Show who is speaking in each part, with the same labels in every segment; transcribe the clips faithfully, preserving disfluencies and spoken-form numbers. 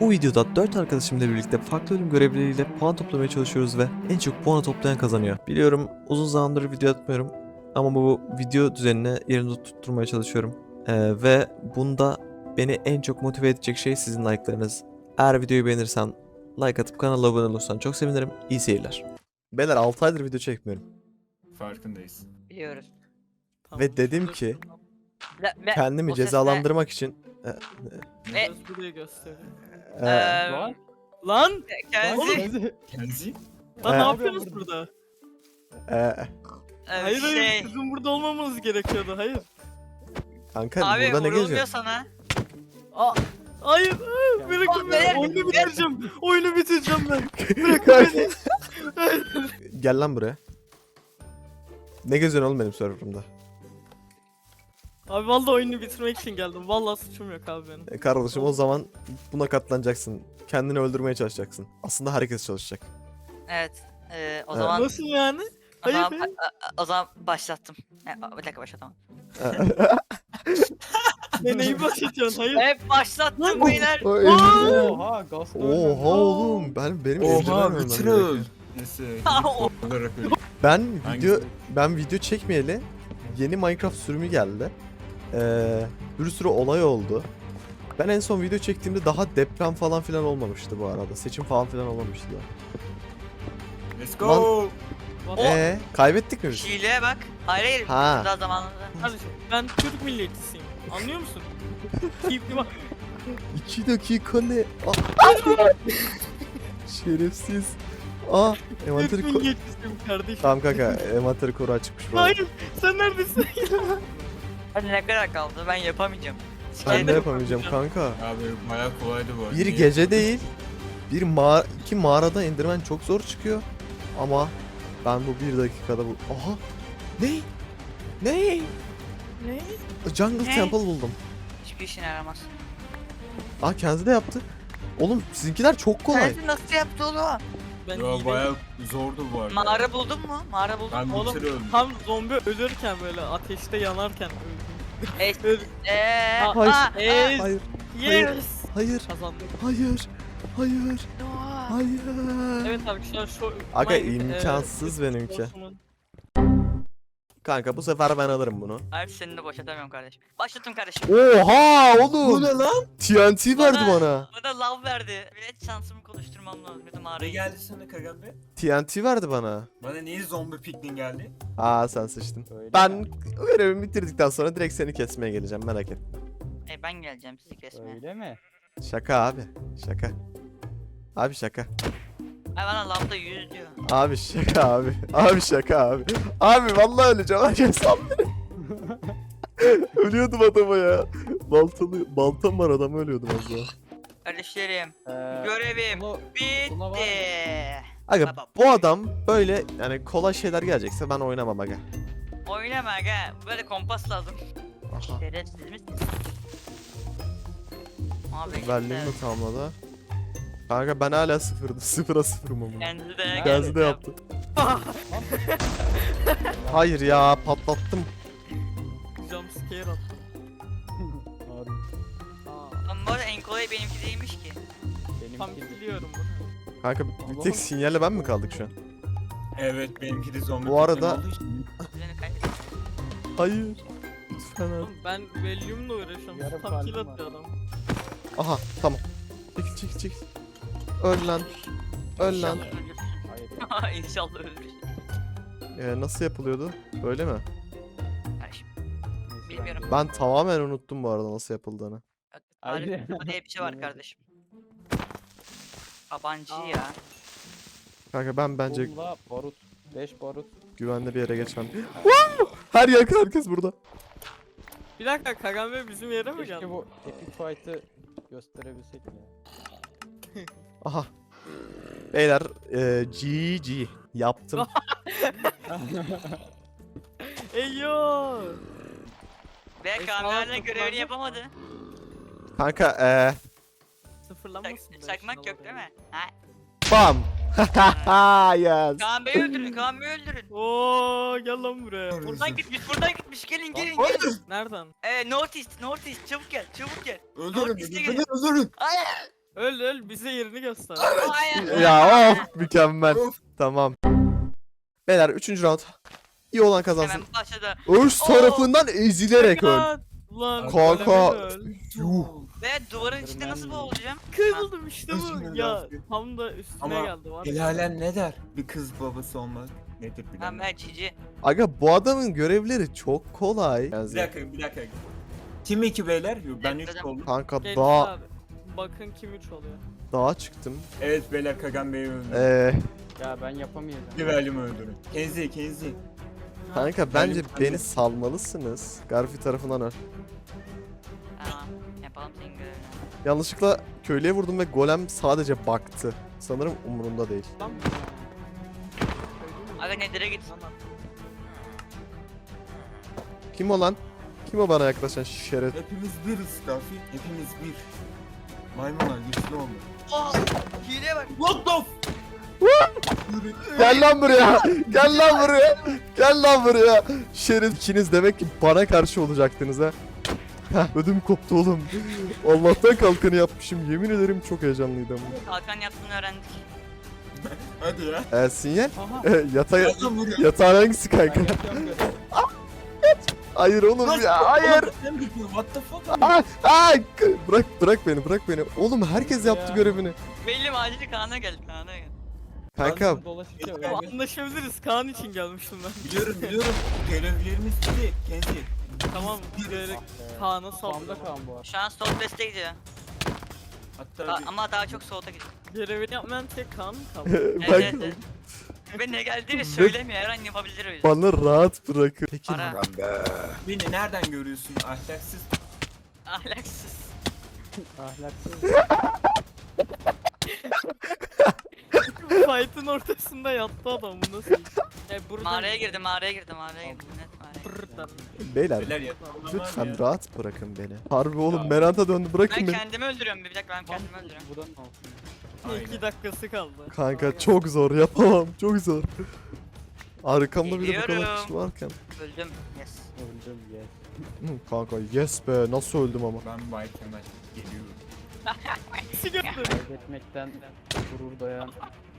Speaker 1: Bu videoda dört arkadaşımla birlikte farklı ölüm görevleriyle puan toplamaya çalışıyoruz ve en çok puanı toplayan kazanıyor. Biliyorum uzun zamandır video atmıyorum ama bu video düzenine yerini tutturmaya çalışıyorum. Ee, ve bunda beni en çok motive edecek şey sizin like'larınız. Eğer videoyu beğenirsen like atıp kanala abone olursan çok sevinirim. İyi seyirler. Beyler altı aydır video çekmiyorum.
Speaker 2: Farkındayız.
Speaker 3: Biliyoruz.
Speaker 1: Ve dedim ki
Speaker 3: Ve, ve
Speaker 1: kendimi
Speaker 3: o ses ne?
Speaker 1: cezalandırmak için e,
Speaker 3: Ve
Speaker 4: Göz buraya gösteriyor.
Speaker 1: e,
Speaker 3: eee,
Speaker 4: Lan.
Speaker 3: lan
Speaker 4: Oğlum,
Speaker 3: Kenzi
Speaker 2: Kenzi?
Speaker 4: Lan
Speaker 1: Ee,
Speaker 4: ne yapıyorsunuz burada?
Speaker 1: e,
Speaker 3: eee,
Speaker 4: Hayır
Speaker 3: şey
Speaker 4: hayır sizin burada olmamanız gerekiyordu hayır.
Speaker 1: kanka
Speaker 3: abi
Speaker 1: burada ne
Speaker 3: vurulmuyor
Speaker 1: geziyor?
Speaker 3: sana.
Speaker 4: Aa, hayır hayır bırakın
Speaker 3: Bak, beyler,
Speaker 4: beni oyunu
Speaker 3: beyler.
Speaker 4: bitireceğim. Oyunu bitireceğim ben.
Speaker 1: Kanka. Gel lan buraya. Ne geziyorsun oğlum benim serverımda?
Speaker 4: Abi vallahi oyunu bitirmek için geldim. Vallahi suçum yok abi benim.
Speaker 1: E kardeşim o zaman buna katlanacaksın. Kendini öldürmeye çalışacaksın. Aslında herkes çalışacak.
Speaker 3: Evet. eee, o
Speaker 1: Evet.
Speaker 3: zaman
Speaker 4: Nasıl yani?
Speaker 3: o
Speaker 4: Hayır
Speaker 3: zaman,
Speaker 4: be.
Speaker 3: a- a- o zaman başlattım. E, a- bir dakika başlatamam.
Speaker 4: Ne neyi başlatıyorsun? Hayır.
Speaker 3: Hep başlattım beyler.
Speaker 1: O elini-
Speaker 5: Oha gaz
Speaker 1: Oha oğlum ben benim eldiven
Speaker 2: Oha
Speaker 1: ölmem
Speaker 2: bütün
Speaker 1: gerekiyor.
Speaker 2: öl. Neyse.
Speaker 3: Ha, o-
Speaker 2: olarak öl.
Speaker 1: Ben video
Speaker 2: Hangisi?
Speaker 1: ben video çekmeyeli yeni Minecraft sürümü geldi. Ee, bir sürü olay oldu. Ben en son video çektiğimde daha deprem falan filan olmamıştı bu arada. Seçim falan filan olmamıştı da.
Speaker 2: Let's go.
Speaker 3: O-
Speaker 1: Ee, kaybettik mi biz?
Speaker 3: Hileye bak. Hayır hayır.
Speaker 1: Ha.
Speaker 3: Daha zamanında.
Speaker 4: Kardeşim ben Türk milliyetçisiyim. Anlıyor musun? Keyifli bak.
Speaker 1: İki dakika ne? Aa! Şerefsiz. Aa, envanteri
Speaker 4: Türk
Speaker 1: ko-
Speaker 4: milliyetçisiyim kardeşim.
Speaker 1: Tamam kanka, envanteri koru açıkmış bu arada.
Speaker 4: Hayır sen neredesin?
Speaker 3: Hadi ne kadar kaldı ben yapamayacağım.
Speaker 1: Ben
Speaker 3: Sikerim.
Speaker 1: de yapamayacağım kanka.
Speaker 2: Abi bayağı kolaydı bu arada.
Speaker 1: Bir
Speaker 2: Niye?
Speaker 1: gece değil, bir mağara, iki mağarada indirmen çok zor çıkıyor. Ama ben bu bir dakikada bu... Aha! Ne? Ne?
Speaker 4: Ne?
Speaker 1: Jungle
Speaker 3: Ne?
Speaker 1: Temple buldum.
Speaker 3: Hiçbir işine yaramaz.
Speaker 1: Aa kendi de yaptı. Oğlum sizinkiler çok kolay.
Speaker 3: Kenzi nasıl yaptı oğlum?
Speaker 4: Ben
Speaker 2: Yo
Speaker 4: hile-
Speaker 2: bayağı zordu bu arada.
Speaker 3: Mağara buldun mu? Mağara buldun
Speaker 2: Ben
Speaker 3: mu?
Speaker 4: Oğlum,
Speaker 2: bir kere öldüm.
Speaker 4: Tam zombi ölürken böyle ateşte yanarken öldüm.
Speaker 3: Eee.
Speaker 4: Öl-
Speaker 3: Eee.
Speaker 4: Ha,
Speaker 1: hayır.
Speaker 3: aa,
Speaker 4: Yes.
Speaker 1: Hayır,
Speaker 4: Yes.
Speaker 1: hayır,
Speaker 4: Kazandık.
Speaker 1: hayır, hayır,
Speaker 3: aa.
Speaker 1: hayır.
Speaker 4: Evet arkadaşlar şu...
Speaker 1: Aga,
Speaker 4: Minecraft,
Speaker 1: imkansız
Speaker 4: e,
Speaker 1: benimki.
Speaker 4: Sports'umun-
Speaker 1: Kanka bu sefer ben alırım bunu.
Speaker 3: Hayır seni de boşatamıyorum kardeşim. Başlattım kardeşim.
Speaker 1: Oha oğlum.
Speaker 2: Bu ne lan?
Speaker 1: T N T verdi
Speaker 3: Bana-
Speaker 1: bana.
Speaker 3: Bana lav verdi. Bilet şansımı konuşturmam lazım. Bir de
Speaker 2: Ne
Speaker 3: mağarayı.
Speaker 2: geldi sana Kagabe?
Speaker 1: T N T verdi bana.
Speaker 2: Bana niye zombi piknin geldi?
Speaker 1: Aa sen sıçtın.
Speaker 5: Öyle
Speaker 1: Ben
Speaker 5: mi?
Speaker 1: görevimi bitirdikten sonra direkt seni kesmeye geleceğim merak etme.
Speaker 3: E ben geleceğim sizi kesmeye.
Speaker 5: Öyle mi?
Speaker 1: Şaka abi. Şaka. Abi şaka.
Speaker 3: Ay bana lavda yüz diyor.
Speaker 1: Abi şaka abi. Abi şaka abi. Abi vallahi öleceğim. Herkes sal beni. Ölüyordum adama ya. Baltalı, baltam var adam ölüyordum az daha.
Speaker 3: Kardeşlerim.
Speaker 5: Ee,
Speaker 3: Görevim
Speaker 5: bunu- buna var
Speaker 3: bitti.
Speaker 1: Aga
Speaker 3: Baba.
Speaker 1: bu adam böyle yani kolay şeyler gelecekse ben oynamam aga.
Speaker 3: Oynama aga. Böyle kompas lazım.
Speaker 1: Aha.
Speaker 3: Şerefsiz misin? Abi
Speaker 1: Verliğimi de tamamladı. Kanka ben hala sıfırdım. Sıfıra sıfırım ama.
Speaker 3: Kendi de
Speaker 5: Gazi
Speaker 1: Gazi de yaptı. Hayır ya patlattım.
Speaker 4: Jumpscare attı.
Speaker 5: Abi,
Speaker 4: Aa,
Speaker 3: Ama bu arada en kolay benimki değilmiş ki.
Speaker 4: tam
Speaker 5: benimki de-
Speaker 4: biliyorum bunu.
Speaker 1: Kanka bir tek sinyalle ben mi kaldık şu an?
Speaker 2: Evet benimki de zombi
Speaker 1: Bu arada-
Speaker 2: piknin olduğu için.
Speaker 3: Seni kaybettim.
Speaker 1: Hayır. Lütfen abi.
Speaker 4: Oğlum ben Valium'la uğraşıyorum.
Speaker 5: Yarım
Speaker 4: Tam kill
Speaker 5: kalbim var.
Speaker 4: atıyor adam.
Speaker 1: Aha tamam. Çekil çekil çekil. Öl lan. Öl lan.
Speaker 3: İnşallah ölürsün.
Speaker 5: Hayır.
Speaker 3: İnşallah ölürsün.
Speaker 1: Ee, nasıl yapılıyordu? Böyle mi?
Speaker 3: Kardeşim.
Speaker 5: Neyse,
Speaker 3: Bilmiyorum.
Speaker 5: de-
Speaker 1: Ben tamamen unuttum bu arada nasıl yapıldığını.
Speaker 5: Haydi.
Speaker 3: Tarif diye bir şey var kardeşim. Tabancı ya.
Speaker 1: Kanka ben bence
Speaker 5: Bomba, barut. beş barut.
Speaker 1: güvenli bir yere geçmem. Her yer herkes burada.
Speaker 4: Bir dakika Kagame bizim yere mi
Speaker 5: Keşke
Speaker 4: geldi?
Speaker 5: bu epic fight'ı gösterebilsek ya.
Speaker 1: Aha. Beyler e, G G yaptım.
Speaker 4: Eyyo!
Speaker 3: Ve
Speaker 4: Eşyalar
Speaker 3: kameralarla
Speaker 4: toplandı.
Speaker 3: görevini yapamadı.
Speaker 1: Kanka e,
Speaker 4: Sıfırlanmasın.
Speaker 3: Çak,
Speaker 4: da
Speaker 3: çakmak
Speaker 4: işin
Speaker 3: yok değil
Speaker 4: olayı.
Speaker 3: mi? Ha?
Speaker 1: bam. Yes.
Speaker 3: Kaan Bey'i öldürün, Kaan Bey'i öldürün.
Speaker 4: Oo gel lan buraya.
Speaker 3: Buradan gitmiş, buradan gitmiş. Gelin, gelin, gelin.
Speaker 4: Nereden?
Speaker 3: Ee, North East, North East. Çabuk gel, çabuk gel.
Speaker 2: Öldürün
Speaker 3: North East'e
Speaker 2: beni,
Speaker 3: gelin.
Speaker 2: beni öldürün.
Speaker 3: Hayır.
Speaker 4: Öl öl bize yerini göster.
Speaker 3: Hayır.
Speaker 1: Ya of mükemmel.
Speaker 2: Of.
Speaker 1: Tamam. Beyler üçüncü round. İyi olan kazansın.
Speaker 3: Hemen başladı.
Speaker 1: Örs tarafından ezilerek öl.
Speaker 4: Lan, Lan
Speaker 1: Kanka.
Speaker 4: goleme öl.
Speaker 1: Yuh.
Speaker 3: Ve duvarın içinde nasıl boğulacağım?
Speaker 4: Kıyıldım işte bu.
Speaker 2: Üzgünüm
Speaker 4: Ya
Speaker 2: Rafi.
Speaker 4: tam da üstüne
Speaker 2: Ama
Speaker 4: geldi var. ya.
Speaker 2: Helalen ne der? Bir kız babası olmak nedir
Speaker 3: Ben
Speaker 2: bilemem.
Speaker 3: ben cici.
Speaker 1: Aga bu adamın görevleri çok kolay.
Speaker 2: Bir dakika bir dakika. Kim iki beyler? Yo, Ben üç
Speaker 3: Bekledim.
Speaker 2: oldum.
Speaker 1: Kanka
Speaker 4: Genç
Speaker 1: dağa,
Speaker 4: abi. Bakın kim üç oluyor.
Speaker 1: dağa çıktım.
Speaker 2: Evet beyler Kagan Bey'i öldürdü.
Speaker 1: Ee,
Speaker 5: Ya ben yapamayacağım.
Speaker 2: Rivalimi öldürün. Kenzi Kenzi.
Speaker 1: kanka bence
Speaker 2: Ben-
Speaker 1: beni salmalısınız. Garfi tarafından öl.
Speaker 3: Tamam. Yapalım senin görevini.
Speaker 1: Yanlışlıkla köylüye vurdum ve golem sadece baktı. Sanırım umurunda değil.
Speaker 4: Lan.
Speaker 3: Aga Nedir'e git.
Speaker 1: Kim o lan? Kim o bana yaklaşan şeref?
Speaker 2: Hepimiz biriz Rafi. Hepimiz bir. Maymunlar güçlü oldu.
Speaker 3: Oh! Hile bak.
Speaker 2: What the f-
Speaker 1: Gel lan buraya. Gel lan buraya. Gel lan buraya. Şerif ikiniz demek ki bana karşı olacaktınız ha. Heh, ödüm koptu oğlum. Allah'tan kalkanı yapmışım. Yemin ederim çok heyecanlıydım.
Speaker 3: Kalkan yaptığını öğrendik.
Speaker 2: Hadi ya.
Speaker 1: Ee, sinyal?
Speaker 5: Aha.
Speaker 1: Ee, yatağa,
Speaker 2: Adam vuruyor.
Speaker 1: yatağın hangisi
Speaker 5: Ben
Speaker 1: kanka?
Speaker 5: yapıyorum görev.
Speaker 1: Hayır oğlum
Speaker 2: Nasıl?
Speaker 1: ya hayır.
Speaker 2: Oğlum, sen yapıyorsun, What the fuck?
Speaker 1: Aa, aa, bırak bırak beni bırak beni. Oğlum herkes yaptı
Speaker 5: Ya.
Speaker 1: görevini.
Speaker 3: Belli acil Kaan'a gel Kaan'a gel.
Speaker 1: Kanka
Speaker 5: Ben dolaşınca
Speaker 2: Ya,
Speaker 5: öyle.
Speaker 4: Anlaşabiliriz. Kaan için gelmiştim ben.
Speaker 2: Biliyorum biliyorum. Görevlerimiz bitti. Kenzi.
Speaker 4: Tamam. Direkt Kaan'a
Speaker 5: Spamda
Speaker 4: saldırdım.
Speaker 5: Kaan bu arada.
Speaker 3: Şu an Southwest'e gidiyor.
Speaker 2: Hatta
Speaker 3: Ka-
Speaker 2: bir-
Speaker 3: ama daha çok soğuta gidiyor.
Speaker 4: Görevini yapmayan tek Kaan mı kaldı?
Speaker 1: bak
Speaker 3: Evet evet. Ve ne geldiğini söylemiyor. Her an yapabilir öyle.
Speaker 1: bana rahat bırakın. Peki
Speaker 3: Para.
Speaker 2: Beni nereden görüyorsun ahlaksız?
Speaker 3: Ahlaksız.
Speaker 5: Ahlaksız.
Speaker 4: Fight'ın ortasında yattı adam bu nasıl iş? E burada
Speaker 3: Mağaraya girdim, mağaraya girdim, mağaraya girdim. Net mağaraya.
Speaker 4: Buradan.
Speaker 1: beyler
Speaker 2: Beyler ya.
Speaker 1: lütfen rahat bırakın beni. Harbi oğlum
Speaker 2: Ya.
Speaker 1: Merant'a döndü
Speaker 3: Ben
Speaker 1: bırakın beni.
Speaker 3: kendimi öldürüyorum. Bir dakika ben kendimi öldürüyorum.
Speaker 5: Bu da ne olsun?
Speaker 2: Aynen.
Speaker 4: İki dakikası kaldı.
Speaker 1: Kanka çok zor yapamam çok zor. Arkamda bir de bu kadar
Speaker 3: Geliyorum.
Speaker 1: kişi varken.
Speaker 3: Öldüm. Yes.
Speaker 5: Öldüm yes.
Speaker 1: Hı, kanka yes be nasıl öldüm ama.
Speaker 2: Ben Bay Kemal geliyorum.
Speaker 4: İkisi gördü.
Speaker 5: Kaybetmekten gurur duyan.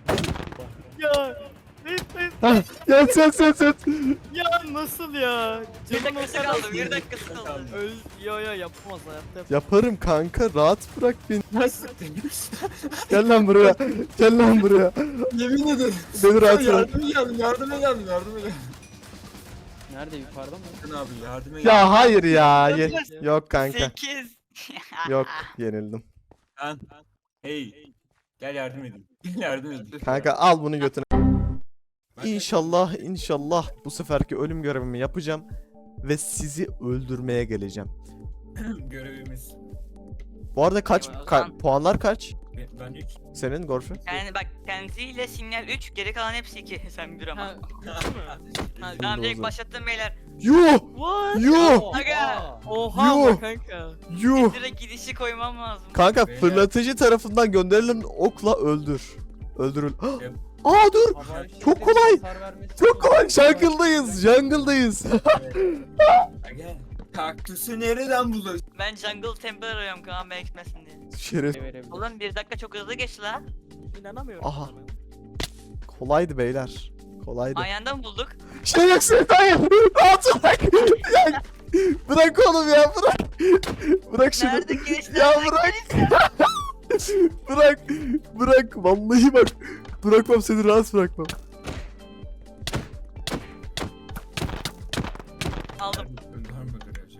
Speaker 4: Ya. Evet, evet.
Speaker 1: Hah yes yes yes yes.
Speaker 4: Ya nasıl ya?
Speaker 3: Bir
Speaker 4: Canım
Speaker 3: dakikası
Speaker 4: o kadar-
Speaker 3: kaldı, bir dakikası kaldı.
Speaker 4: Öl yo yo yapamaz hayatta yapamaz.
Speaker 1: Yaparım kanka rahat bırak beni.
Speaker 2: Nasıl?
Speaker 1: Gel lan buraya. Gel lan buraya.
Speaker 2: Yemin ederim.
Speaker 1: Beni rahat bırak.
Speaker 2: Yardıma geldim, yardıma geldim, yardıma geldim.
Speaker 5: Nerede yukarıda mı?
Speaker 2: Sen abi yardıma geldim.
Speaker 1: Ya hayır ya. Ye- Yok kanka.
Speaker 3: sekiz.
Speaker 1: Yok yenildim.
Speaker 2: Ben. Hey. Gel yardım edin. Gel yardım edin.
Speaker 1: Kanka al bunu götüne. İnşallah inşallah bu seferki ölüm görevimi yapacağım ve sizi öldürmeye geleceğim.
Speaker 2: Görevimiz.
Speaker 1: Bu arada kaç
Speaker 3: Eyvallah.
Speaker 1: ka- puanlar kaç?
Speaker 2: Ben- Ben üç.
Speaker 1: Senin Gorfi?
Speaker 3: Yani bak kendisiyle sinyal üç, geri kalan hepsi iki. Sen bir ama.
Speaker 4: Ha, değil mi? Ha,
Speaker 3: Tamam
Speaker 1: Şimdi o
Speaker 3: direkt
Speaker 1: zaman.
Speaker 3: başlattım beyler.
Speaker 1: Yuh!
Speaker 4: What?
Speaker 1: Yuh!
Speaker 3: Aga.
Speaker 4: Oha
Speaker 1: Yuh!
Speaker 4: ama kanka.
Speaker 1: Yuh!
Speaker 3: Direkt gidişi koymam lazım.
Speaker 1: Kanka
Speaker 2: Beyler.
Speaker 1: fırlatıcı tarafından gönderilen okla öldür. Öldürül.
Speaker 2: Yap.
Speaker 1: Aa dur!
Speaker 5: Havai
Speaker 1: Çok
Speaker 5: fişeklerin
Speaker 1: kolay.
Speaker 5: hasar vermesi
Speaker 1: Çok
Speaker 5: için
Speaker 1: kolay.
Speaker 5: havai
Speaker 1: Jungle'dayız. Jungle'dayız.
Speaker 2: Gel. Kaktüsü nereden buluyorsun?
Speaker 3: Ben jungle temple arıyorum Kaan Bey gitmesin diye.
Speaker 1: Şeref.
Speaker 5: fişek verebilir.
Speaker 3: Oğlum bir dakika çok hızlı geçti la.
Speaker 4: İnanamıyorum.
Speaker 1: Aha.
Speaker 4: sana.
Speaker 1: Kolaydı beyler. Kolaydı.
Speaker 3: Ayağında mı bulduk?
Speaker 1: Şerefsiz hayır. Rahat bırak. Ya, bırak oğlum ya bırak. Bırak şunu.
Speaker 3: Nerede geçti?
Speaker 1: Ya
Speaker 3: Nerede
Speaker 1: bırak.
Speaker 3: geçti?
Speaker 1: Bırak. Bırak. Vallahi bak. Bırakmam seni rahat bırakmam.
Speaker 3: Aldım.
Speaker 2: Var mı görevci?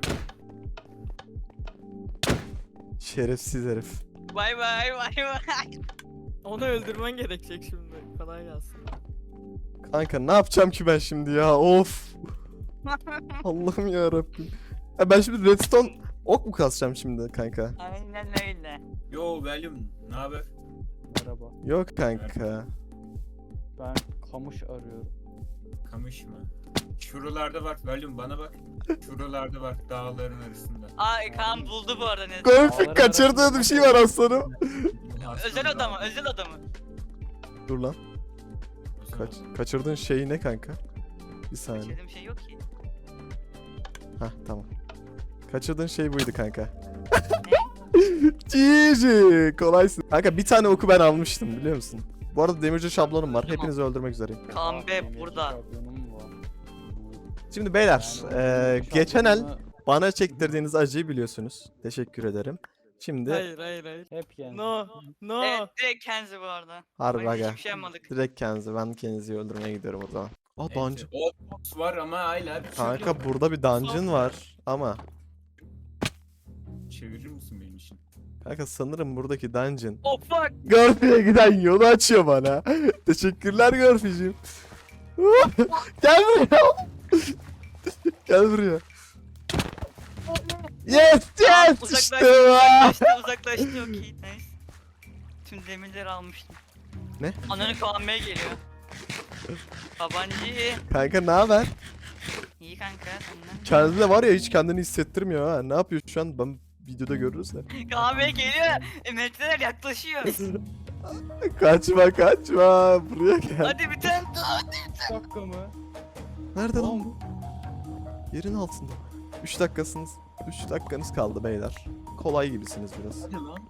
Speaker 1: Şerefsiz herif.
Speaker 3: Bay bay bay bay.
Speaker 4: Onu öldürmen gerekecek şimdi. Kolay gelsin.
Speaker 1: Kanka ne yapacağım ki ben şimdi ya? Of. Allah'ım ya Rabbim. Ya ben şimdi redstone ok mu kasacağım şimdi kanka?
Speaker 3: Aynen öyle.
Speaker 2: Yo Valium, ne haber?
Speaker 5: Merhaba.
Speaker 1: Yok kanka.
Speaker 5: Ben kamış arıyorum.
Speaker 2: Kamış mı? Şuralarda bak Valium bana bak. Şuralarda bak dağların arasında.
Speaker 3: Aa Kaan buldu bu arada ne?
Speaker 1: Golfik kaçırdığı bir şey var aslanım.
Speaker 3: Özel oda mı? Özel oda mı?
Speaker 1: Dur lan. Kaç, kaçırdığın şey ne kanka? Bir saniye.
Speaker 3: Kaçırdığım şey yok ki.
Speaker 1: Hah tamam. Kaçırdığın şey buydu kanka. G G. Kolaysın. Kanka bir tane oku ben almıştım biliyor musun? Bu arada demirci şablonum var.
Speaker 3: Tamam.
Speaker 1: Hepinizi öldürmek üzereyim.
Speaker 3: Kaan Bey
Speaker 5: Demir
Speaker 3: burada.
Speaker 5: şablonum var.
Speaker 1: Şimdi beyler,
Speaker 5: Yani
Speaker 1: eee,
Speaker 5: demir
Speaker 1: geçen el
Speaker 5: şablonu
Speaker 1: bana çektirdiğiniz acıyı biliyorsunuz. Teşekkür ederim. Şimdi
Speaker 4: Hayır hayır hayır.
Speaker 5: hep yani.
Speaker 4: No. No.
Speaker 3: Evet direkt Kenzi bu arada.
Speaker 1: harbi
Speaker 3: Hayır,
Speaker 1: aga.
Speaker 3: hiçbir şey yapmadık.
Speaker 1: Direkt kendinizi, ben kendinizi öldürmeye gidiyorum o zaman. Aa
Speaker 2: Neyse,
Speaker 1: dungeon.
Speaker 2: O boss var ama hala bir
Speaker 1: Kanka burada bir dungeon var ama
Speaker 2: çevirir misin benim için?
Speaker 1: kanka sanırım buradaki dungeon
Speaker 3: Oh fuck.
Speaker 1: Gorfi'ye giden yolu açıyor bana. Teşekkürler Gorfi'cim. Gel buraya. Gel buraya. Yes
Speaker 3: Aa,
Speaker 1: yes
Speaker 3: uzaklaştı,
Speaker 1: işte bu.
Speaker 3: uzaklaştı, uzaklaştı. Okey, nice. Tüm demirleri almıştım.
Speaker 1: Ne?
Speaker 3: Ananı Kaan Bey geliyor. Babancı.
Speaker 1: Kanka ne haber?
Speaker 3: İyi kanka senden.
Speaker 1: Kendi de var ya hiç kendini hissettirmiyor ha. Ne yapıyor şu an? Ben videoda görürüz de.
Speaker 3: Kaan Bey geliyor. E, metreler yaklaşıyor.
Speaker 1: Kaçma kaçma. Buraya gel.
Speaker 3: Hadi bir tane daha.
Speaker 5: üç dakika mı?
Speaker 1: Nerede lan bu? Yerin altında. üç dakikasınız. üç dakikanız kaldı beyler. Kolay gibisiniz biraz.
Speaker 2: Hadi lan.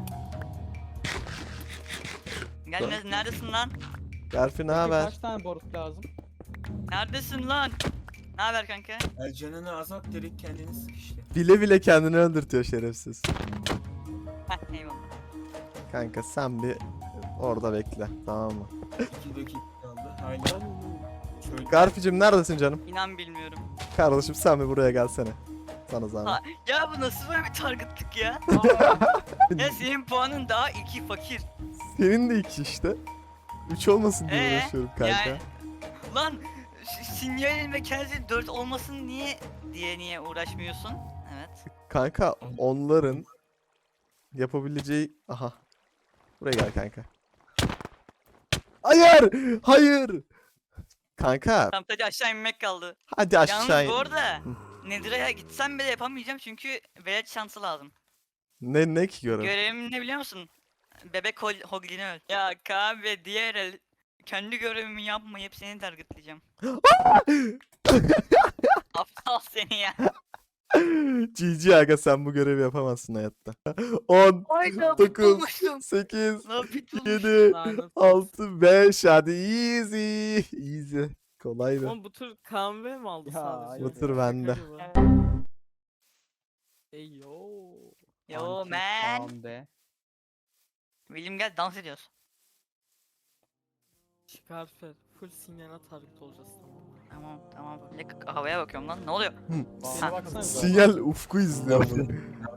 Speaker 3: Gelmez neredesin lan?
Speaker 1: Garfi ne
Speaker 5: Peki
Speaker 1: haber?
Speaker 5: kaç tane barut lazım?
Speaker 3: Neredesin lan? Ne haber kanka?
Speaker 2: El canını azalt direkt kendini sık işte.
Speaker 1: Bile bile kendini öldürtüyor şerefsiz.
Speaker 3: Heh eyvallah.
Speaker 1: Kanka sen bir orada bekle tamam mı?
Speaker 2: iki dakika kaldı. Hala şöyle
Speaker 1: Garfi'cim neredesin canım?
Speaker 3: İnan bilmiyorum.
Speaker 1: Kardeşim sen bir buraya gelsene. Sana zahmet.
Speaker 3: Ha, ya bu nasıl böyle bir targetlık ya? ya senin puanın daha iki fakir.
Speaker 1: Senin de iki işte. Üç olmasın diye
Speaker 3: Ee,
Speaker 1: uğraşıyorum kanka.
Speaker 3: yani- Lan s- sinyalin ve Kenzi'nin dört olmasın niye diye niye uğraşmıyorsun? Evet.
Speaker 1: Kanka onların yapabileceği... Aha. Buraya gel kanka. Hayır! Hayır! Kanka
Speaker 3: Tam sadece aşağı inmek kaldı.
Speaker 1: hadi aşağı
Speaker 3: Yalnız
Speaker 1: in.
Speaker 3: bu arada Nedira'ya gitsem bile yapamayacağım çünkü velet şansı lazım.
Speaker 1: Ne ne ki görev?
Speaker 3: Görevim ne biliyor musun? Bebek hol Hogli'ni öl. Ya kahve diğer el kendi görevimi yapmayıp seni targetleyeceğim. Aptal seni ya.
Speaker 1: G G aga sen bu görevi yapamazsın hayatta. on,
Speaker 3: Hayda
Speaker 1: dokuz,
Speaker 3: bulmuştum.
Speaker 1: sekiz,
Speaker 3: Lan pitbull.
Speaker 1: yedi,
Speaker 4: Lanet.
Speaker 1: altı, beş hadi easy. Easy. Kolaydı.
Speaker 4: Oğlum bu tur Kaan Bey mi aldı
Speaker 5: Ya,
Speaker 4: sadece?
Speaker 5: hayır
Speaker 1: Bu tur bende.
Speaker 4: Şaka gibi. Ey yo.
Speaker 3: Yo
Speaker 5: Anti
Speaker 3: man.
Speaker 5: Kaan be.
Speaker 3: William gel dans ediyoruz.
Speaker 4: Şikarfer. Full sinyala target olacağız tamam.
Speaker 3: Tamam tamam. Bir dakika havaya bakıyorum lan ne oluyor?
Speaker 5: Bana baksana.
Speaker 1: Sinyal ufku izliyor bunu.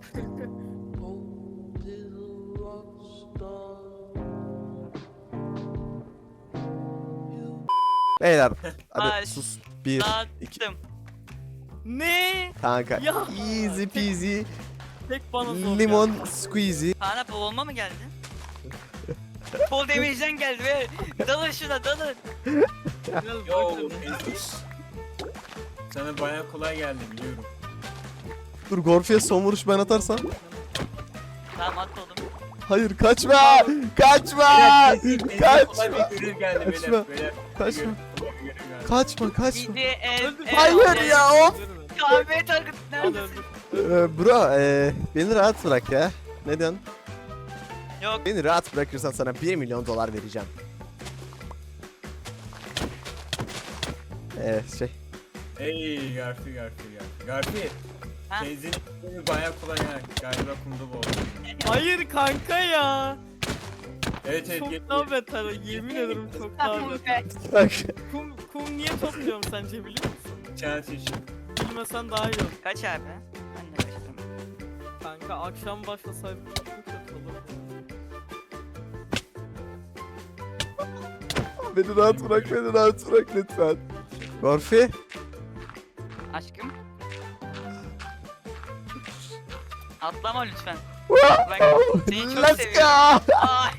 Speaker 1: Beyler hadi
Speaker 3: Ay,
Speaker 1: sus. Bir, iki.
Speaker 3: Dağıttım.
Speaker 4: Ne?
Speaker 1: Kanka
Speaker 4: Ya.
Speaker 1: easy peasy
Speaker 4: Tek bana zor
Speaker 1: limon
Speaker 4: geldi.
Speaker 1: squeezy.
Speaker 3: Kaan'a boğulma mı geldi? Full damage'den geldi ve dalın şuna dalın.
Speaker 4: Biraz
Speaker 2: Yo
Speaker 4: bakın.
Speaker 2: Ezgiş. Sana baya kolay geldi biliyorum.
Speaker 1: Dur Gorfi'ye son vuruş ben atarsam.
Speaker 3: Tamam at oğlum.
Speaker 1: Hayır kaçma! Kaçma!
Speaker 2: Ezgi'ye
Speaker 1: Kaç!
Speaker 2: kolay bir görev geldi
Speaker 1: Kaçma.
Speaker 2: beyler. Beyler,
Speaker 1: Kaçma.
Speaker 2: kolay bir görev geldi.
Speaker 1: Kaçma kaçma.
Speaker 3: Bizi el
Speaker 4: Öldür.
Speaker 3: el-
Speaker 1: Hayır
Speaker 3: el-
Speaker 1: ya, of!
Speaker 3: Kahve target
Speaker 4: Hadi
Speaker 3: neredesin?
Speaker 4: öldür.
Speaker 1: Ee, bro ee, beni rahat bırak ya. Ne diyorsun?
Speaker 3: Yok.
Speaker 1: Beni rahat bırakırsan sana bir milyon dolar vereceğim. Evet şey.
Speaker 2: Ey Garfi Garfi Garfi. Garfi.
Speaker 3: Ha?
Speaker 2: Kendini baya kolay yani. Galiba kumda boğuldu.
Speaker 4: Hayır kanka ya.
Speaker 2: Evet evet.
Speaker 4: Çok
Speaker 2: gel-
Speaker 4: daha beter. Yemin ederim çok daha
Speaker 3: Tamam
Speaker 4: beter.
Speaker 3: be.
Speaker 1: Bak.
Speaker 4: Kum, kum niye topluyorum sence biliyor musun?
Speaker 2: Chance için.
Speaker 4: Bilmesen daha iyi olur.
Speaker 3: Kaç abi? Ben de kaçtım.
Speaker 4: Kanka akşam başlasaydık çok mu kötü olurdu.
Speaker 1: Beni rahat bırak, beni rahat bırak lütfen. Gorfi.
Speaker 3: Aşkım. Atlama lütfen. Bak seni çok
Speaker 1: Let's
Speaker 3: seviyorum.
Speaker 1: go.
Speaker 3: Aa,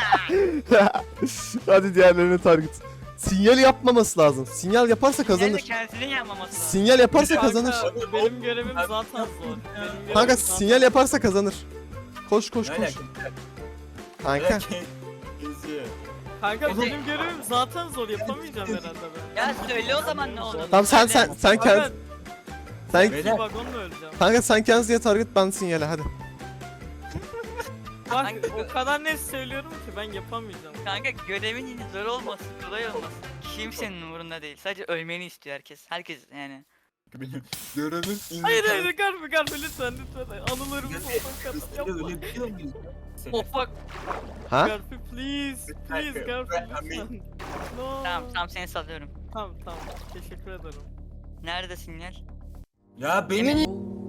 Speaker 1: Hadi diğerlerine target. Sinyal yapmaması lazım. Sinyal yaparsa
Speaker 3: Nerede
Speaker 1: kazanır.
Speaker 3: kendisinin yapmaması lazım.
Speaker 1: Sinyal yaparsa
Speaker 4: Kanka,
Speaker 1: kazanır.
Speaker 4: benim görevim zaten zor. Benim görevim
Speaker 1: Kanka
Speaker 4: zaten-
Speaker 1: sinyal yaparsa kazanır. Koş koş
Speaker 2: Ne
Speaker 1: koş.
Speaker 2: alaka?
Speaker 1: Kanka.
Speaker 2: Geziyor.
Speaker 4: Kanka
Speaker 3: Oğlum-
Speaker 4: benim görevim zaten zor yapamayacağım herhalde ben.
Speaker 3: Ya söyle o zaman ne olduğunu.
Speaker 1: Tamam sen
Speaker 3: Söyle.
Speaker 1: sen sen
Speaker 4: Kanka
Speaker 1: kend sen
Speaker 2: Beyler.
Speaker 4: bir vagonla öleceğim.
Speaker 1: kanka sen kendinize target ben sinyale hadi.
Speaker 4: Bak o kadar net söylüyorum ki ben yapamayacağım.
Speaker 3: Kanka görevin yine zor olmasın, kolay olmasın. Kimsenin umurunda değil. Sadece ölmeni istiyor herkes. Herkes yani.
Speaker 2: Görevin
Speaker 4: Hayır hayır garbe garbe lütfen lütfen. Anılarımız olmak kadar yapma.
Speaker 2: Öyle biliyor muyuz?
Speaker 4: Oh fuck.
Speaker 1: Ha?
Speaker 4: Garbe please. Please garbe lütfen. No.
Speaker 3: Tamam tamam seni salıyorum.
Speaker 4: Tamam tamam. Teşekkür ederim.
Speaker 3: Nerede sinyal?
Speaker 2: Ya benim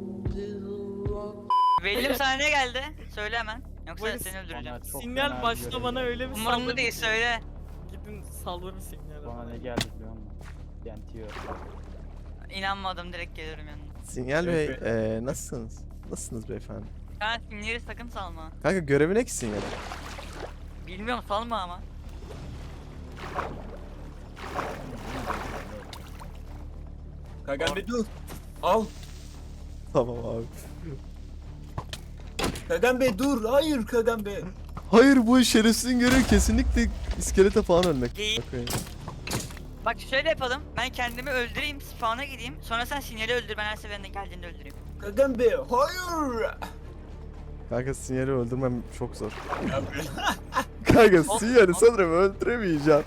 Speaker 3: Belli sana ne geldi? Söyle hemen. Yoksa
Speaker 4: Bak-
Speaker 3: seni öldüreceğim.
Speaker 5: Bana çok
Speaker 4: Sinyal
Speaker 5: fena
Speaker 4: başta
Speaker 5: görev
Speaker 4: bana
Speaker 5: geldi.
Speaker 4: öyle bir
Speaker 3: Umurumda
Speaker 4: saldırı.
Speaker 3: değil söyle.
Speaker 4: Gidin saldırın sinyal.
Speaker 5: Bana ne geldi biliyor musun? Yentiyor.
Speaker 3: İnanmadım direkt gelirim yanına.
Speaker 1: Sinyal Bey,
Speaker 2: Evet.
Speaker 1: eee nasılsınız? Nasılsınız beyefendi?
Speaker 3: Sen sinyali sakın salma.
Speaker 1: Kanka görevi ne ki sinyal?
Speaker 3: Bilmiyorum salma ama.
Speaker 2: Kagan Bey dur. Al.
Speaker 1: Tamam abi.
Speaker 2: Kagan Bey dur. Hayır Kagan Bey.
Speaker 1: Hayır, bu şerefsizin görevi kesinlikle iskelete falan ölmek.
Speaker 3: Değil.
Speaker 1: Bakayım.
Speaker 3: Bak şöyle yapalım. Ben kendimi öldüreyim, spawn'a gideyim. Sonra sen sinyali öldür. Ben her seferinde geldiğinde öldüreyim.
Speaker 2: Kagan Bey hayır.
Speaker 1: Kanka sinyali öldürmem çok zor.
Speaker 2: Ya be.
Speaker 1: Kanka
Speaker 3: Hop,
Speaker 1: sinyali
Speaker 3: hop.
Speaker 1: sanırım öldüremeyeceğim.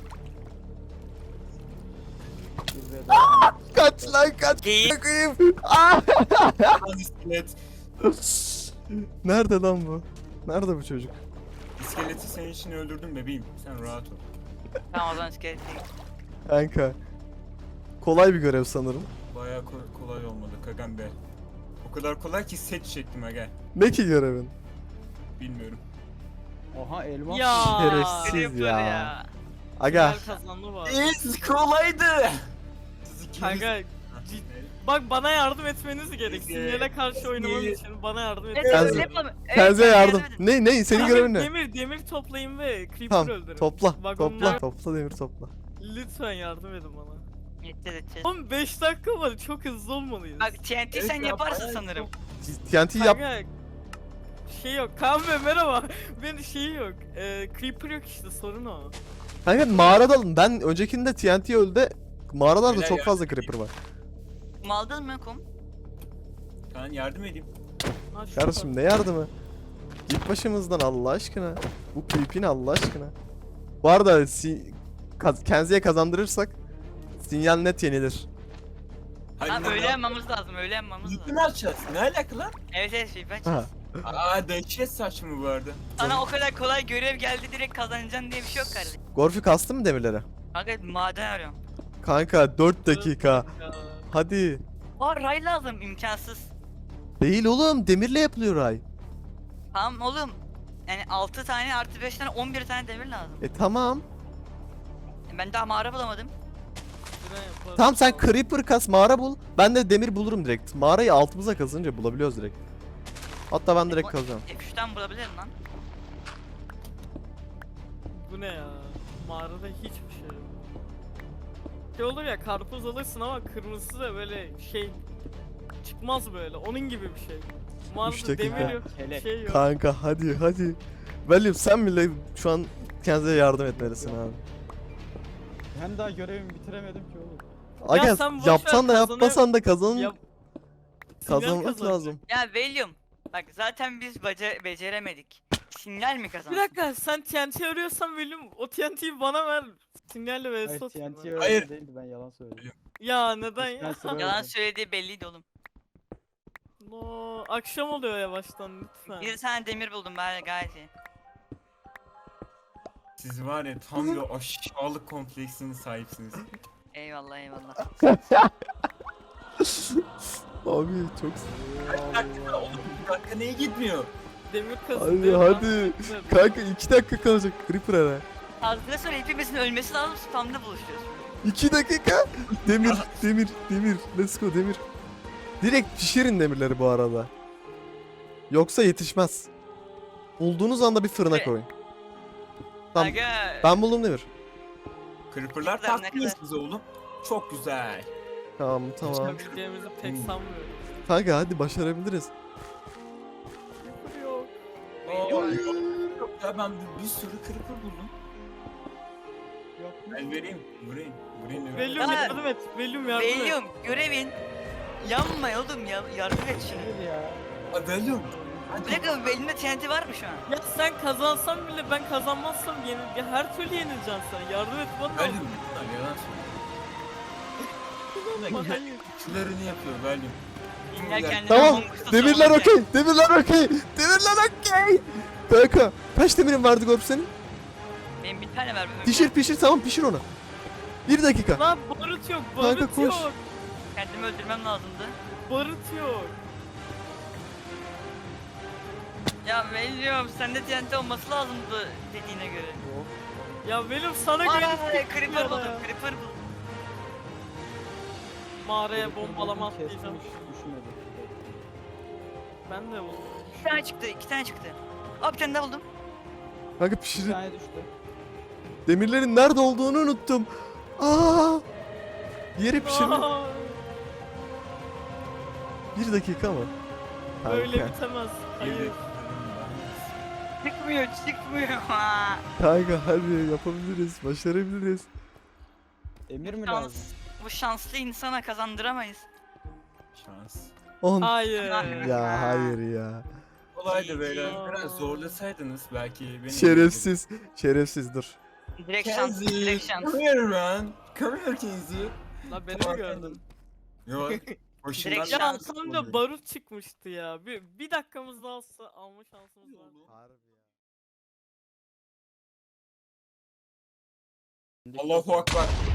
Speaker 5: Bir ve dört.
Speaker 1: Kaç lan kaç.
Speaker 3: Geyik.
Speaker 1: Bakayım. Ah!
Speaker 2: Lan iskelet.
Speaker 1: Nerede lan bu? Nerede bu çocuk?
Speaker 2: İskeleti senin için öldürdüm bebeğim. Sen rahat ol.
Speaker 3: Tamam o zaman iskelet değil.
Speaker 1: Kanka. Kolay bir görev sanırım.
Speaker 2: Bayağı ko- kolay olmadı Kagan Bey. O kadar kolay ki set çektim aga.
Speaker 1: Ne ki görevin?
Speaker 2: Bilmiyorum.
Speaker 5: Oha elmas.
Speaker 4: Ya.
Speaker 1: Şerefsiz
Speaker 3: Görev böyle
Speaker 1: ya. Aga.
Speaker 4: Sinyal kazandı var.
Speaker 2: It's kolaydı. Siz ikiniz-
Speaker 4: Kanka
Speaker 2: Ha,
Speaker 4: cid-
Speaker 2: ne?
Speaker 4: bak bana yardım etmeniz gerek.
Speaker 2: Peki.
Speaker 4: Sinyale karşı oynamam
Speaker 2: Peki.
Speaker 4: için bana yardım
Speaker 3: Evet,
Speaker 4: etmeniz
Speaker 1: Kenze-
Speaker 3: öyle
Speaker 4: gerek.
Speaker 3: yapalım. Evet,
Speaker 1: Kendinize
Speaker 3: ben
Speaker 1: yardım.
Speaker 3: edin.
Speaker 1: Ne ne senin
Speaker 4: Demir-
Speaker 1: görevin ne?
Speaker 4: Demir, demir toplayın ve Creeper
Speaker 1: Tamam
Speaker 4: öldürün.
Speaker 1: topla
Speaker 4: Vagonlar-
Speaker 1: topla topla demir topla.
Speaker 4: Lütfen yardım edin bana.
Speaker 3: Yeter edeceğiz.
Speaker 4: Oğlum beş dakika var, çok hızlı olmalıyız.
Speaker 3: Bak T N T
Speaker 2: Evet
Speaker 3: sen
Speaker 2: ya,
Speaker 3: yaparsın
Speaker 2: bayağı
Speaker 3: sanırım.
Speaker 1: T N T yap.
Speaker 4: Kanka, şey yok. Kaan Bey merhaba. Benim şeyi yok. Ee, Creeper yok işte, sorun o.
Speaker 1: Kanka mağarada alın. Ben öncekinde T N T öldü. Mağaralarda
Speaker 2: Beyler
Speaker 1: çok
Speaker 2: ya.
Speaker 1: fazla creeper var.
Speaker 3: Kum aldın mı kum?
Speaker 2: Kaan yardım edeyim.
Speaker 4: Ha, şu
Speaker 1: Kardeşim ne yardımı? Git başımızdan Allah aşkına. Bu creep'in Allah aşkına. Bu arada si kaz Kenzi'ye kazandırırsak sinyal net yenilir.
Speaker 2: Hadi
Speaker 3: Ha
Speaker 2: lan,
Speaker 3: öyle
Speaker 2: lan.
Speaker 3: yapmamız lazım, öyle yapmamız
Speaker 2: Yükü
Speaker 3: lazım.
Speaker 2: mü açacağız? Ne alaka lan?
Speaker 3: Evet evet şey ben
Speaker 1: Ha.
Speaker 2: Aa dehşet saçma bu arada.
Speaker 3: Sana o kadar kolay görev geldi direkt kazanacaksın diye bir şey yok kardeşim.
Speaker 1: Gorfi kastı mı demirlere?
Speaker 3: Kanka maden arıyorum.
Speaker 1: Kanka dört dakika.
Speaker 4: Ya.
Speaker 1: Hadi.
Speaker 3: Aa ray lazım imkansız.
Speaker 1: Değil oğlum, demirle yapılıyor ay.
Speaker 3: Tamam oğlum. Yani altı tane artı beş tane on bir tane demir lazım.
Speaker 1: E tamam.
Speaker 3: Ben daha mağara bulamadım.
Speaker 4: Şuraya yaparız.
Speaker 1: Tamam sen creeper kas, mağara bul. Ben de demir bulurum direkt. Mağarayı altımıza kazınca bulabiliyoruz direkt. Hatta ben direkt kazacağım.
Speaker 3: F üçten bulabilirim lan.
Speaker 4: Bu ne ya? Mağarada hiçbir şey yok. Şey olur ya, karpuz alırsın ama kırmızısı da böyle şey çıkmaz böyle. Onun gibi bir şey.
Speaker 1: Üç
Speaker 4: Mağarada
Speaker 1: dakika.
Speaker 4: demir yok,
Speaker 5: Kelek.
Speaker 4: şey yok.
Speaker 1: Kanka hadi hadi. William sen bile şu an kendine yardım etmelisin abi.
Speaker 5: Ben daha görevimi bitiremedim ki oğlum.
Speaker 1: Aga
Speaker 4: sen boş
Speaker 1: yapsan
Speaker 4: ver,
Speaker 1: da
Speaker 4: kazanı-
Speaker 1: yapmasan da kazan
Speaker 4: Ya- Sinyal
Speaker 1: kazanmak
Speaker 4: kazanacak.
Speaker 1: lazım.
Speaker 3: Ya William. Bak zaten biz baca beceremedik. Sinyal mi
Speaker 4: Bir
Speaker 3: kazansın?
Speaker 4: dakika, sen T N T arıyorsan William o T N T'yi bana ver. Sinyalle vs
Speaker 5: Hayır
Speaker 4: atayım
Speaker 5: T N
Speaker 4: ben.
Speaker 5: T öyle
Speaker 2: Hayır.
Speaker 5: değildi, ben yalan söyledim.
Speaker 4: Ya neden ya?
Speaker 5: Ben sana-
Speaker 3: Yalan söylediği belliydi oğlum.
Speaker 4: No, akşam oluyor yavaştan lütfen.
Speaker 3: Bir tane demir buldum ben gayet iyi.
Speaker 2: Siz var ya tam bir aşağılık kompleksine sahipsiniz.
Speaker 3: Eyvallah eyvallah.
Speaker 1: Abi çok
Speaker 2: Bir dakika oğlum bir dakika neye gitmiyor?
Speaker 4: Demir
Speaker 1: hadi
Speaker 4: kazıyor.
Speaker 1: hadi. Kanka iki dakika kalacak creeper ara.
Speaker 3: Fazla sonra hepimizin ölmesi lazım spamda buluşuyoruz.
Speaker 1: iki dakika. Demir demir demir. Let's go demir. Direkt pişirin demirleri bu arada. Yoksa yetişmez. Bulduğunuz anda bir fırına
Speaker 3: Evet.
Speaker 1: koyun. Tamam.
Speaker 3: Aga.
Speaker 1: Ben buldum demir.
Speaker 2: Creeper'lar
Speaker 3: Güzel, ne
Speaker 2: tatlıyız
Speaker 3: kadar-
Speaker 2: bize oğlum. Çok güzel.
Speaker 1: Tamam tamam.
Speaker 4: Yapabileceğimizi pek
Speaker 2: Hmm.
Speaker 4: sanmıyorum.
Speaker 1: Kanka hadi başarabiliriz.
Speaker 4: Creeper yok.
Speaker 2: Aa, yok ya ben bir, bir sürü creeper buldum.
Speaker 5: Yok.
Speaker 2: Ben vereyim. Vurayım. Vurayım da vereyim.
Speaker 4: Velium
Speaker 3: Ya.
Speaker 4: yardım et. Velium yardım et.
Speaker 3: William görevin yanma oğlum ya yardım et şunu.
Speaker 5: Hayır ya.
Speaker 2: Aa, Valium.
Speaker 3: Bir dakika elimde T N T var mı şu an?
Speaker 4: Ya sen kazansan bile ben kazanmazsam yenil ya her türlü yenileceğim sana. Yardım et bana.
Speaker 2: Valyum bunlar yalan söylüyor.
Speaker 4: Ama hayır.
Speaker 2: Şularını yapıyor Valyum.
Speaker 3: İller kendine
Speaker 1: Tamam.
Speaker 3: Among Us'ta
Speaker 1: Demirler
Speaker 3: savunacak.
Speaker 1: okey. Demirler okey. Demirler okey. Kanka kaç demirin vardı Gorp senin?
Speaker 3: Benim bir tane ver.
Speaker 1: Pişir pişir tamam pişir onu. Bir dakika.
Speaker 4: Lan barut yok,
Speaker 1: Kanka,
Speaker 4: barut
Speaker 1: koş.
Speaker 4: yok.
Speaker 3: Kendimi öldürmem lazımdı.
Speaker 4: Barut yok.
Speaker 3: Ya Velium sende T N T olması lazımdı dediğine göre.
Speaker 4: Ya benim sana
Speaker 3: Ay
Speaker 4: gelip
Speaker 3: Creeper
Speaker 4: ya.
Speaker 3: buldum Creeper buldum.
Speaker 4: Mağaraya bombalama
Speaker 5: Kesmiş,
Speaker 4: atlayacağım.
Speaker 5: düşmedi.
Speaker 4: Ben de buldum.
Speaker 3: İki tane çıktı iki tane çıktı. Aa bir tane daha buldum.
Speaker 1: Kanka
Speaker 5: Bir
Speaker 1: pişirin.
Speaker 5: tane düştü.
Speaker 1: Demirlerin nerede olduğunu unuttum. Aa! Yeri pişirin.
Speaker 4: Aa,
Speaker 1: Bir dakika mı?
Speaker 4: Böyle
Speaker 1: Kanka.
Speaker 4: bitemez. Hayır.
Speaker 3: Çıkmıyor çıkmıyor. Ha.
Speaker 1: Kanka hadi yapabiliriz. Başarabiliriz.
Speaker 5: Emir mi
Speaker 3: Şans.
Speaker 5: lazım?
Speaker 3: Bu şanslı insana kazandıramayız.
Speaker 2: Şans.
Speaker 1: On.
Speaker 4: Hayır.
Speaker 1: Ya hayır ya.
Speaker 2: Kolaydı beyler.
Speaker 4: Ya.
Speaker 2: Biraz zorlasaydınız belki beni.
Speaker 1: Şerefsiz. Şerefsiz dur.
Speaker 3: Direkt şans. Direkt
Speaker 2: Kenzie.
Speaker 3: şans.
Speaker 2: Come here man. Come here Kenzie.
Speaker 4: La beni
Speaker 2: Tamam,
Speaker 4: mi gördün?
Speaker 2: Yok. Hoşundan
Speaker 3: Direkt
Speaker 4: Ya
Speaker 3: şans.
Speaker 4: tam da barut çıkmıştı ya. Bir, bir dakikamız daha olsa alma şansımız var.
Speaker 2: Allahu Akbar.